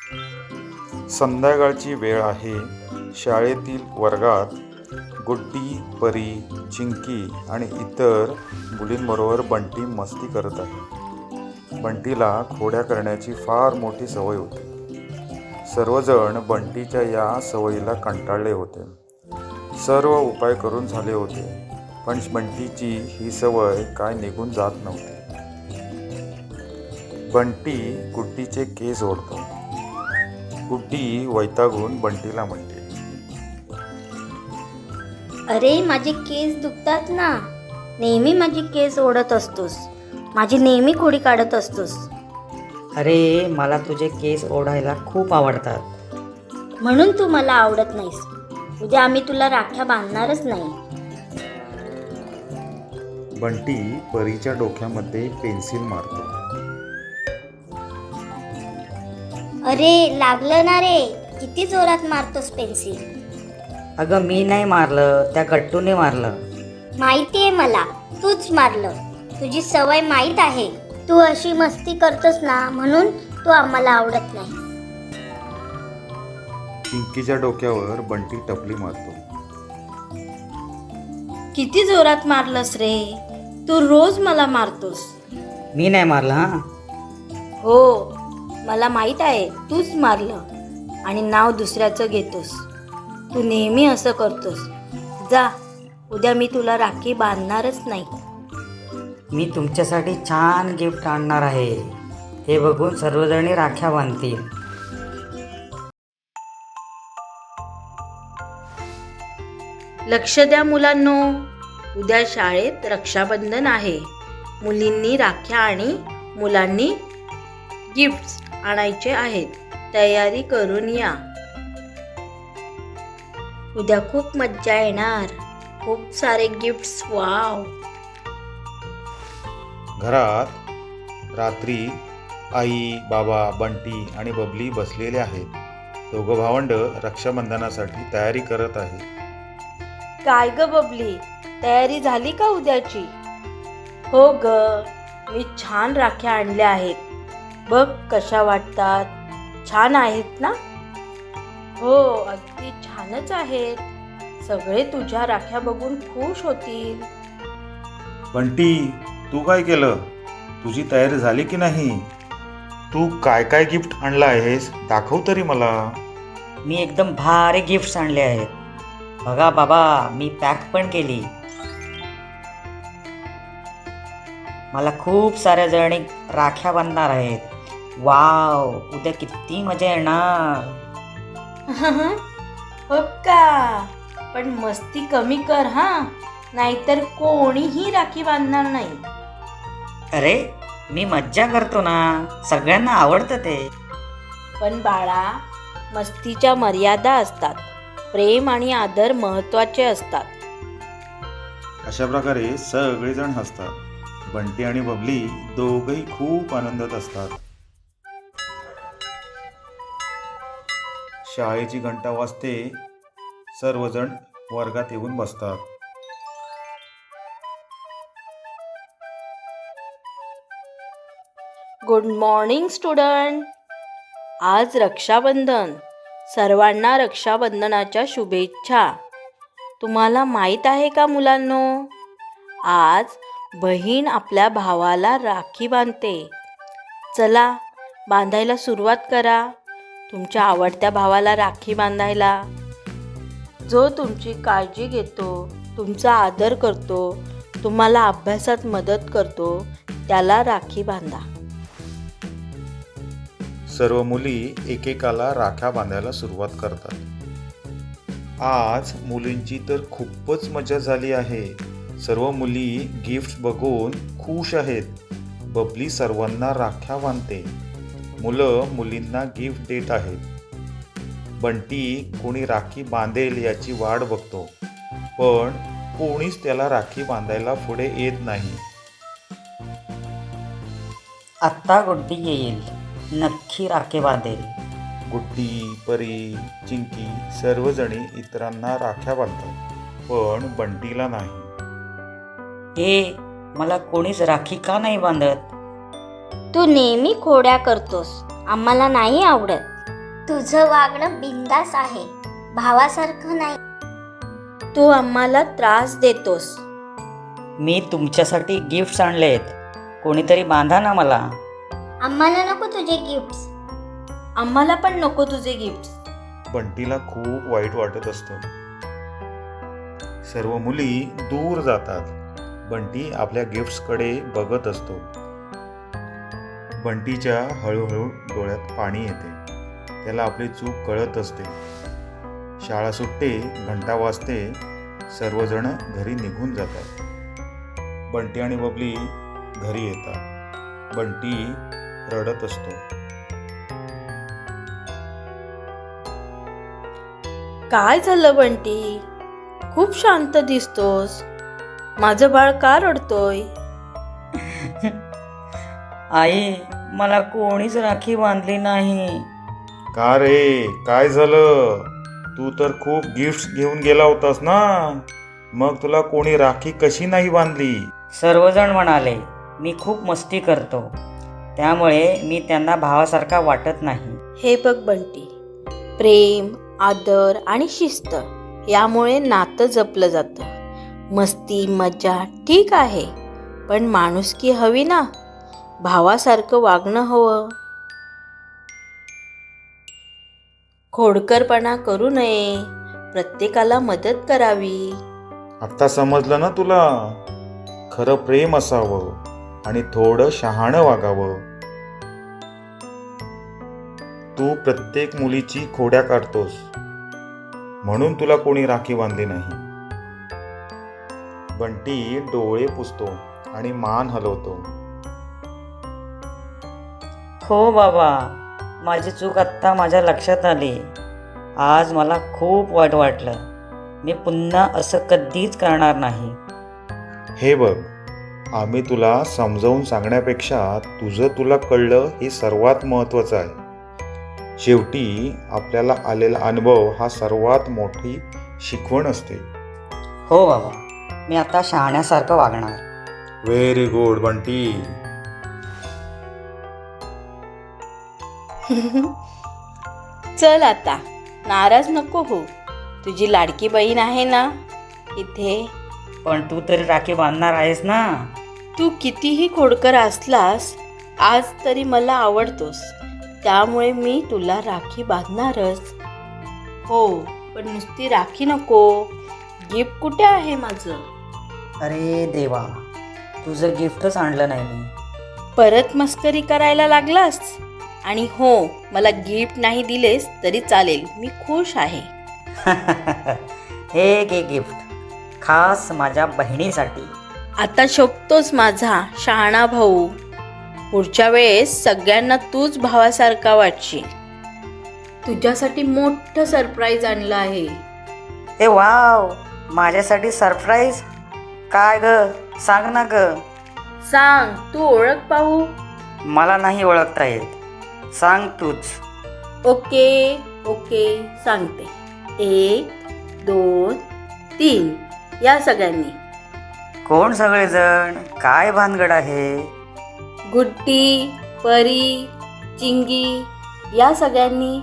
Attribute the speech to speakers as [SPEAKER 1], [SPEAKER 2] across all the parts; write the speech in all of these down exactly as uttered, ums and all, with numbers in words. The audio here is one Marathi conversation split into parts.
[SPEAKER 1] संध्याकाळची वेळ आहे. शाळेतील वर्गात गुड्डी, परी, चिंकी आणि इतर मुलींबरोबर बंटी मस्ती करत आहे. बंटीला खोड्या करण्याची फार मोठी सवय होती. सर्वजण बंटीच्या या सवयीला कंटाळले होते. सर्व उपाय करून झाले होते, पण बंटीची ही सवय काय निघून जात नव्हती. बंटी गुड्डीचे केस ओढतो. गुड्डी वैतागून बंटीला म्हणते,
[SPEAKER 2] अरे माझे केस दुखतात ना, नेहमी माझी केस ओढत असतोस, माझी नेहमी खोडी काढत असतोस.
[SPEAKER 3] अरे मला तुझे केस ओढायला खूप आवडतात.
[SPEAKER 2] म्हणून तू मला आवडत नाहीस. उद्या आम्ही तुला राख्या बांधणारच नाही.
[SPEAKER 1] बंटी परीच्या डोक्यामध्ये पेन्सिल मारतो.
[SPEAKER 2] अरे लागलं ना रे, किती जोरात मारतोस पेन्सिल.
[SPEAKER 3] अगं मी नाही मारलं, त्या गट्टूने मारलं.
[SPEAKER 2] माहितीये मला, तूच मारलं. तुझी सवय माहीत आहे. तू अशी मस्ती करतोस ना, म्हणून तू आम्हाला आवडत नाही.
[SPEAKER 1] चिंकीच्या डोक्यावर बंटी टपली मारतो.
[SPEAKER 4] किती जोरात मारलंस रे, तू रोज मला मारतोस.
[SPEAKER 3] मी नाही मारलं. हां
[SPEAKER 4] हो, मला माहीत आहे तूच मारलं आणि नाव दुसऱ्याचं घेतोस. तू नेहमी असं करतोस. जा, उद्या मी तुला राखी बांधणारच नाही.
[SPEAKER 3] मी तुमच्यासाठी छान गिफ्ट आणणार आहे. हे बघून सर्वजणी राख्या बांधतील.
[SPEAKER 4] लक्ष द्या मुलांनो, उद्या शाळेत रक्षाबंधन आहे. मुलींनी राख्या आणि मुलांनी गिफ्ट्स आणायचे आहेत. तयारी करून या. उद्या खूप मज्जा येणार. खूप सारे गिफ्ट्स. वाव.
[SPEAKER 1] घरात रात्री आई, बाबा, बंटी आणि बबली बसलेले आहेत. दोघं भावंड रक्षाबंधनासाठी तयारी करत आहेत.
[SPEAKER 4] काय ग बबली, तयारी झाली का उद्याची? हो ग, मी छान राख्या आणल्या आहेत. बघ कशा वाटतात. छान आहेत ना? हो, अगदी छानच आहेत. सगळे तुझ्या राख्या बघून खुश होतील.
[SPEAKER 1] बंटी, तू काय केलं? तुझी तयारी झाली की नाही? तू काय काय गिफ्ट आणलं आहेस, दाखव तरी मला.
[SPEAKER 3] मी एकदम भारी गिफ्ट्स आणले आहेत. बघा बाबा, मी पॅक पण केली. मला खूप साऱ्या जणी राख्या बांधणार आहेत. वाव, उद्या किती मजा येणार.
[SPEAKER 4] हो का? पण मस्ती कमी कर हा, नाहीतर कोणीही राखी बांधणार नाही.
[SPEAKER 3] अरे मी मज्जा करतो ना, सगळ्यांना आवडतं ते.
[SPEAKER 4] पण बाळा, मस्तीच्या मर्यादा असतात. प्रेम आणि आदर महत्त्वाचे असतात.
[SPEAKER 1] अशा प्रकारे सगळेजण हसतात. बंटी आणि बबली दोघंही खूप आनंदात असतात. शाळेची घंटा वाजते. सर्वजण वर्गात येऊन बसतात.
[SPEAKER 4] Good morning student. आज रक्षाबंधन. सर्वांना रक्षाबंधनाच्या शुभेच्छा. तुम्हाला माहीत आहे का मुलांनो, आज बहीण आपल्या भावाला राखी बांधते. चला, बांधायला सुरुवात करा. तुमच्या आवडत्या भावाला राखी बांधायला, जो तुमची काळजी घेतो, तुमचा आदर करतो, तुम्हाला अभ्यासात मदत करतो, त्याला राखी बांधा.
[SPEAKER 1] सर्व मुली एकेकाला राख्या बांधायला सुरुवात करतात. आज मुलींची तर खूपच मजा झाली आहे. सर्व मुली गिफ्ट बघून खुश आहेत. बबली सर्वांना राख्या बांधते. मुलं मुलींना गिफ्ट देत आहेत. बंटी कोणी राखी बांधेल याची वाट बघतो, पण कोणीच त्याला राखी बांधायला पुढे येत नाही.
[SPEAKER 3] आत्ता गुड्डी येईल, नक्की राखे बांधेल.
[SPEAKER 1] गुड्डी, परी, चिंकी सर्वजणी इतरांना राख्या बांधतात, पण बंटीला नाही.
[SPEAKER 3] हे मला कोणीच राखी का नाही बांधत?
[SPEAKER 2] तू नेहमी खोड्या करतोस, आम्हाला नाही आवडत. तुझं वागणं बिंदास आहे, भावासारखं नाही.
[SPEAKER 4] तू आम्हाला त्रास देतोस.
[SPEAKER 3] मी तुमच्यासाठी गिफ्ट्स आणलेत. कोणीतरी बांधा ना मला.
[SPEAKER 2] आम्हाला नको तुझे गिफ्ट्स.
[SPEAKER 4] आम्हाला पण नको तुझे गिफ्ट्स.
[SPEAKER 1] बंटीला खूप वाईट वाटत असतं. सर्व मुली दूर जातात. बंटी आपल्या गिफ्ट्सकडे बघत असतो. बंटीच्या हळूहळू डोळ्यात पाणी येते. त्याला आपली चूक कळत असते. शाळा सुटते, घंटा वाजते, सर्वजण घरी निघून जातात. बंटी आणि बबली घरी येतात. बंटी रडत असतो.
[SPEAKER 4] काय झालं बंटी? खूप शांत दिसतोस. माझं बाळ का रडतोय?
[SPEAKER 3] आई, मला कोणीच राखी बांधली नाही.
[SPEAKER 1] का रे, काय झालं? तू तर खूप गिफ्ट्स घेऊन गेला होतास ना, मग तुला कोणी राखी कशी नाही बांधली?
[SPEAKER 3] सर्वजण म्हणाले मी खूप मस्ती करतो, त्यामुळे मी त्यांना भावासारखा वाटत नाही.
[SPEAKER 4] हे बघ बंटी, प्रेम, आदर आणि शिस्त यामुळे नातं जपलं जातं. मस्ती मजा ठीक आहे, पण माणुसकी हवी ना. भावासारखं वागणं हवं. खोडकरपणा करू नये. प्रत्येकाला मदत करावी.
[SPEAKER 1] आता समजलं ना तुला? खरं प्रेम असावं आणि थोडं शहाणं वागावं. तू प्रत्येक मुलीची खोड्या काढतोस, म्हणून तुला कोणी राखी बांधली नाही. बंटी डोळे पुसतो आणि मान हलवतो.
[SPEAKER 3] हो बाबा, माझी चूक आत्ता माझ्या लक्षात आली. आज मला खूप वाईट वाटलं. मी पुन्हा असं कधीच करणार नाही.
[SPEAKER 1] हे बघ, आम्ही तुला समजावून सांगण्यापेक्षा तुझं तुला कळलं हे सर्वात महत्त्वाचं आहे. शेवटी आपल्याला आलेला अनुभव हा सर्वात मोठी शिकवण असते.
[SPEAKER 3] हो बाबा, मी आता शहाण्यासारखं वागणार.
[SPEAKER 1] Very good Bunty.
[SPEAKER 4] चल आता, नाराज नको हो. तुझी लाडकी बहीण आहे ना इथे.
[SPEAKER 3] पण तू तरी राखी बांधणार आहेस ना?
[SPEAKER 4] तू कितीही खोडकर असलास, आज तरी मला आवडतोस, त्यामुळे मी तुला राखी बांधणारच. हो, पण नुसती राखी नको. गिफ्ट कुठे आहे माझं?
[SPEAKER 3] अरे देवा, तुझं गिफ्टच आणलं नाही मी.
[SPEAKER 4] परत मस्करी करायला लागलास? आणि हो, मला गिफ्ट नाही दिलेस तरी चालेल, मी खुश आहे.
[SPEAKER 3] हे घे गिफ्ट, खास माझ्या बहिणीसाठी.
[SPEAKER 4] आता शोभतोस माझा शहाणा भाऊ. पुढच्या वेळेस सगळ्यांना तूच भावासारखा वाटशील. तुझ्यासाठी मोठं सरप्राईज आणलं आहे.
[SPEAKER 3] ए वाव, माझ्यासाठी सरप्राईज? काय ग, सांग ना ग.
[SPEAKER 4] सांग, तू ओळख पाहू.
[SPEAKER 3] मला नाही ओळखता येत, सांग तूच.
[SPEAKER 4] ओके ओके सांगते. एक दोन तीन, या सगळ्यांनी.
[SPEAKER 3] कोण सगळेजण? काय भानगड आहे?
[SPEAKER 4] गुड्डी, परी, चिंगी, या सगळ्यांनी.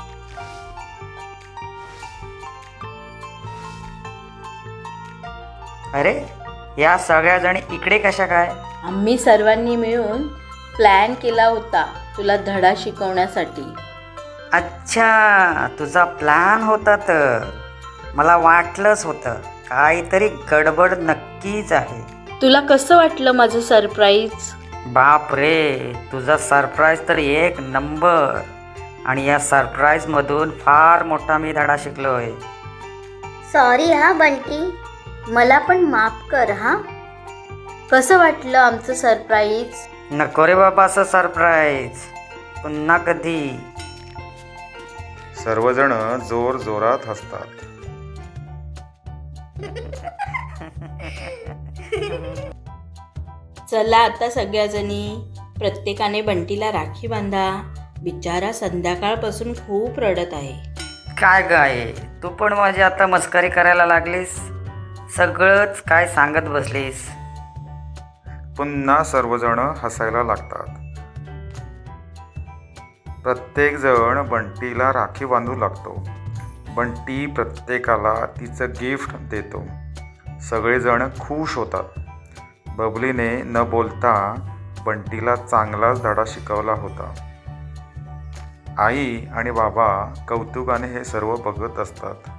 [SPEAKER 3] अरे, या सगळ्या जणी इकडे कशा काय?
[SPEAKER 4] आम्ही सर्वांनी मिळून प्लॅन केला होता तुला धडा शिकवण्यासाठी.
[SPEAKER 3] अच्छा, तुझा प्लॅन होता तर. मला वाटलंच होतं काहीतरी गडबड नक्कीच आहे.
[SPEAKER 4] तुला कसं वाटलं माझं सरप्राईज?
[SPEAKER 3] बाप रे, तुझा सरप्राईज तर एक नंबर. आणि या सरप्राईजमधून फार मोठा मी धडा शिकलोय.
[SPEAKER 2] सॉरी हा बंटी, मला पण माफ कर हा.
[SPEAKER 4] कसं वाटलं आमचं सरप्राईज?
[SPEAKER 3] नको रे बाबा असं सरप्राईज, पुन्हा कधी.
[SPEAKER 1] सर्वजण जोर जोरात हसतात.
[SPEAKER 4] चला आता सगळ्याजणी प्रत्येकाने बंटीला राखी बांधा. बिचारा संध्याकाळपासून खूप रडत आहे.
[SPEAKER 3] काय गाय, तू पण माझी आता मस्करी करायला लागलीस. सगळंच काय सांगत बसलीस.
[SPEAKER 1] पुन्हा सर्वजण हसायला लागतात. प्रत्येकजण बंटीला राखी बांधू लागतो. बंटी प्रत्येकाला तिचं गिफ्ट देतो. सगळेजण खुश होतात. बबलीने न बोलता बंटीला चांगलाच धडा शिकवला होता. आई आणि बाबा कौतुकाने हे सर्व बघत असतात.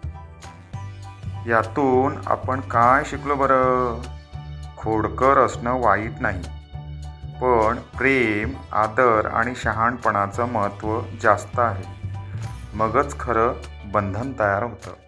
[SPEAKER 1] यातून आपण काय शिकलो बरं? खोडकर असणं वाईट नाही, पण प्रेम, आदर आणि शहाणपणाचं महत्त्व जास्त आहे. मगच खरं बंधन तयार होतं.